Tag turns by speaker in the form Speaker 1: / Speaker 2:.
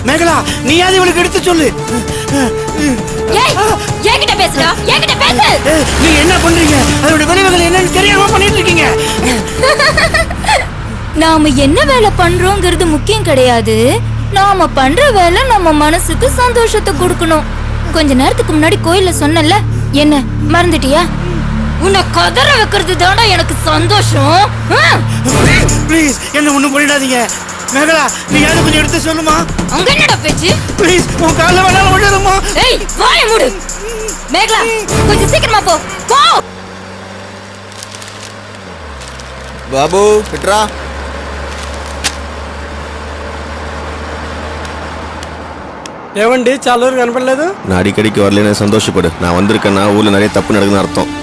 Speaker 1: மேகலா நீயாவது இவளுக்கு எடுத்து சொல்லு.
Speaker 2: ஏய் என்கிட்ட பேசுடா, என்கிட்ட பேசு.
Speaker 1: நீங்க என்ன பண்றீங்க? அதோட விளைவுகள் என்னன்னு தெரியாம பண்ணிட்டு இருக்கீங்க.
Speaker 2: நாம என்ன வேலை பண்றோங்கிறது முக்கியம் கிடையாது. நாம பண்ற வேலை நம்ம மனசுக்கு சந்தோஷத்தை கொடுக்கணும். கொஞ்ச நேரத்துக்கு முன்னாடி கோயில்ல சொன்னல, என்ன மறந்துட்டியா? உன்னை கதற வைக்கிறது தானே எனக்கு சந்தோஷம்.
Speaker 1: ப்ளீஸ் என்ன ஒண்ணும் பண்ணிடாதீங்க. மேகலா நீ யாரும் கொஞ்சம் எடுத்து சொல்லுமா.
Speaker 2: அங்க என்னடா பேச்சு?
Speaker 1: ப்ளீஸ் உன் கால்ல வேணாலும் விழுறமா.
Speaker 2: ஏய் வாயை மூடு. மேகலா கொஞ்சம் சீக்கிரமா போ. போ.
Speaker 3: బాబు ఇట్రా.
Speaker 4: ఏమండి చాలా రోజులు కనపడలేదు.
Speaker 3: నా అడికడికి வரலன்னு சந்தோஷப்படு. நான் வந்திருக்கேன்னா ஊர்ல நிறைய தப்பு நடக்குதுன்னு அர்த்தம்.